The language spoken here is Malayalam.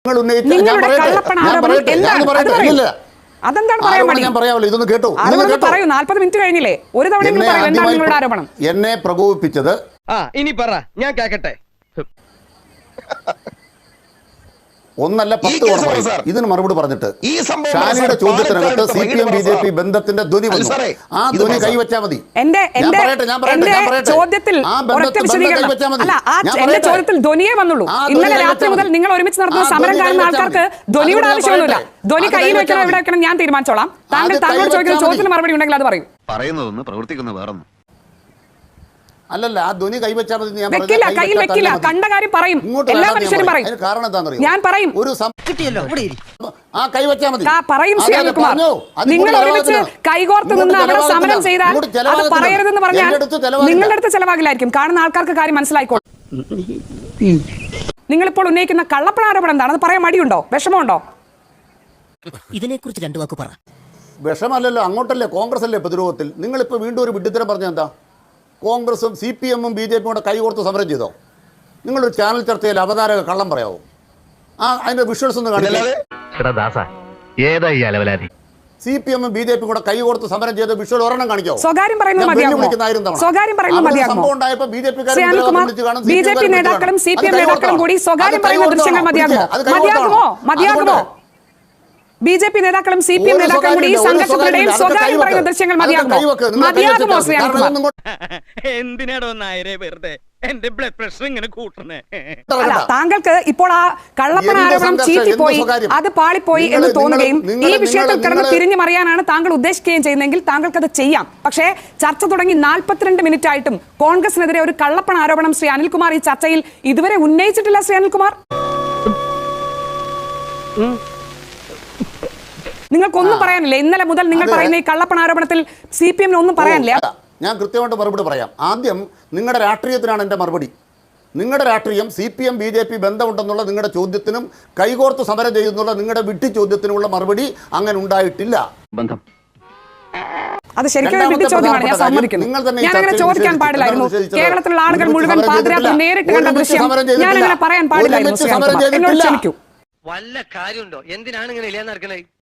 അതെന്താണ് ഇതൊന്ന് കേട്ടോ, പറയൂ. 40 മിനിറ്റ് കഴിഞ്ഞില്ലേ? ഒരു തവണ എന്താണ് നിങ്ങളുടെ ആരോപണം? എന്നെ പ്രകോപിപ്പിച്ചത് ഇനി പറ, ഞാൻ കേക്കട്ടെ. ഒന്നല്ല 10 തവണ ഇതിന് മറുപടി പറഞ്ഞിട്ട് ഷാനിയുടെ ചോദ്യത്തിനകത്ത് CPM BJP ബന്ധത്തിന്റെ ധ്വനി വന്നു. ആ ധ്വനി കൈവച്ചാൽ മതി. എന്റെ ചോദ്യത്തിൽ ധ്വനിയെ വന്നുള്ളൂ. ഇന്നലെ രാത്രി മുതൽ നിങ്ങൾ ഒരുമിച്ച് നടത്തുന്ന സമരം കാണുന്ന ആൾക്കാർക്ക് ധ്വനിയുടെ ആവശ്യമൊന്നുമില്ല. ധ്വനി കയ്യിൽ വെക്കണം, എവിടെ വെക്കണം ഞാൻ തീരുമാനിച്ചോളാം. താങ്കൾ ചോദിക്കുന്ന ചോദ്യത്തിന് മറുപടി ഉണ്ടെങ്കിൽ അത് പറയൂ. പറയുന്നതൊന്ന് പ്രവർത്തിക്കുന്ന വേറൊന്നും അല്ലല്ല, ആ ധ്വനി കൈവച്ചാൽ മതി. വെക്കില്ല, കയ്യിൽ വെക്കില്ല. കണ്ട കാര്യം പറയും, എല്ലാ മനുഷ്യരും പറയും. കാരണം എന്താണെന്നറിയോ? ഞാൻ പറയും, ആ കൈവച്ചാൽ മതി പറയും. നിങ്ങൾ ഒരുമിച്ച് കൈകോർത്ത് നിന്ന് അവിടെ സമരം ചെയ്താൽ അത് പറയരുതെന്ന് പറഞ്ഞാൽ നിങ്ങളുടെ അടുത്ത് ചെലവാകില്ലായിരിക്കും. കാണുന്ന ആൾക്കാർക്ക് കാര്യം മനസ്സിലായിക്കോളും. നിങ്ങളിപ്പോൾ ഉന്നയിക്കുന്ന കള്ളപ്പണാരോപണം എന്താണ്? അത് പറയാൻ മടിയുണ്ടോ, വിഷമമുണ്ടോ? ഇതിനെക്കുറിച്ച് 2 വാക്ക് പറ. വിഷമല്ലല്ലോ, അങ്ങോട്ടല്ലേ, കോൺഗ്രസ് അല്ലേ പ്രതിരോധത്തിൽ. നിങ്ങളിപ്പോൾ വീണ്ടും ഒരു വിഡ്ഢിത്തരം പറഞ്ഞ എന്താ? കോൺഗ്രസും CPM-ഉം BJP-യും കൂടെ കൈകോർത്ത് സമരം ചെയ്തോ? നിങ്ങളൊരു ചാനൽ ചർച്ചയിൽ അവതാരക കള്ളം പറയാവോ? അതിന്റെ വിഷ്വൽസ് ഒന്ന് കാണില്ലേ? CPM-ഉം BJP-യും കൂടെ കൈകോർത്ത് സമരം ചെയ്ത വിഷ്വൽ ഒരെണ്ണം കാണിക്കാവോ? സ്വകാര്യം പറയുന്നത് സംഭവം ഉണ്ടായപ്പോൾ BJP നേതാക്കളും CPM നേതാക്കളും കൂടി സ്വകാര്യം പറയുന്ന ദൃശ്യങ്ങൾ മതിയാകുമോ? BJP നേതാക്കളും CPM നേതാക്കളും കൂടി സംഘർഷത്തിനിടയിൽ സ്വകാര്യം പറയുന്ന ദൃശ്യങ്ങൾ മതിയാകുമോ? എന്തിനാടോ നായരെ വെറുതെ എന്റെ ബ്ലഡ് പ്രഷർ ഇങ്ങനെ കൂട്ടണേ? താങ്കൾക്ക് ഇപ്പോൾ ആ കള്ളപ്പണ ആരോപണം ചീറ്റിപ്പോയി, അത് പാളിപ്പോയി എന്ന് തോന്നുകയും ഈ വിഷയത്തിൽ കിടന്ന് തിരിഞ്ഞു മറിയാനാണ് താങ്കൾ ഉദ്ദേശിക്കുകയും ചെയ്യുന്നതെങ്കിൽ താങ്കൾക്ക് അത് ചെയ്യാം. പക്ഷേ ചർച്ച തുടങ്ങി 42 മിനിറ്റ് ആയിട്ടും കോൺഗ്രസിനെതിരെ ഒരു കള്ളപ്പണ ആരോപണം ശ്രീ അനിൽകുമാർ ഈ ചർച്ചയിൽ ഇതുവരെ ഉന്നയിച്ചിട്ടില്ല. ശ്രീ അനിൽകുമാർ, നിങ്ങൾക്കൊന്നും പറയാനില്ല? ഇന്നലെ മുതൽ നിങ്ങൾ പറയുന്ന ഈ കള്ളപ്പണ ആരോപണത്തിൽ CPM-ന് ഒന്നും പറയാനില്ല? ഞാൻ കൃത്യമായിട്ട് മറുപടി പറയാം. ആദ്യം നിങ്ങളുടെ രാഷ്ട്രീയത്തിനാണ് എൻ്റെ മറുപടി. നിങ്ങളുടെ രാഷ്ട്രീയം CPM BJP ബന്ധമുണ്ടെന്നുള്ള നിങ്ങളുടെ ചോദ്യത്തിനും കൈകോർത്ത് സമരം ചെയ്യുന്നുള്ള നിങ്ങളുടെ വിഡ്ഢി ചോദ്യത്തിനുമുള്ള മറുപടി അങ്ങനെ ഉണ്ടായിട്ടില്ല. അത് ശരിക്കും വിഡ്ഢി ചോദ്യമാണ്, ഞാൻ സമ്മതിക്കുന്നു. ഞാൻ അങ്ങനെ ചോദിക്കാൻ പാടില്ലായിരുന്നു. കേരളത്തിലുള്ള ആളുകൾ മുഴുവൻ പാതിരാത്രി നേരിട്ട് കണ്ട ദൃശ്യം ഞാൻ അങ്ങനെ പറയാൻ പാടില്ലായിരുന്നു. എന്നോട് ക്ഷമിക്കൂ. വല്ല കാര്യമുണ്ടോ? എന്തിനാണ് ഇങ്ങനെ ഇല്ലാന്ന് നടക്കണേ?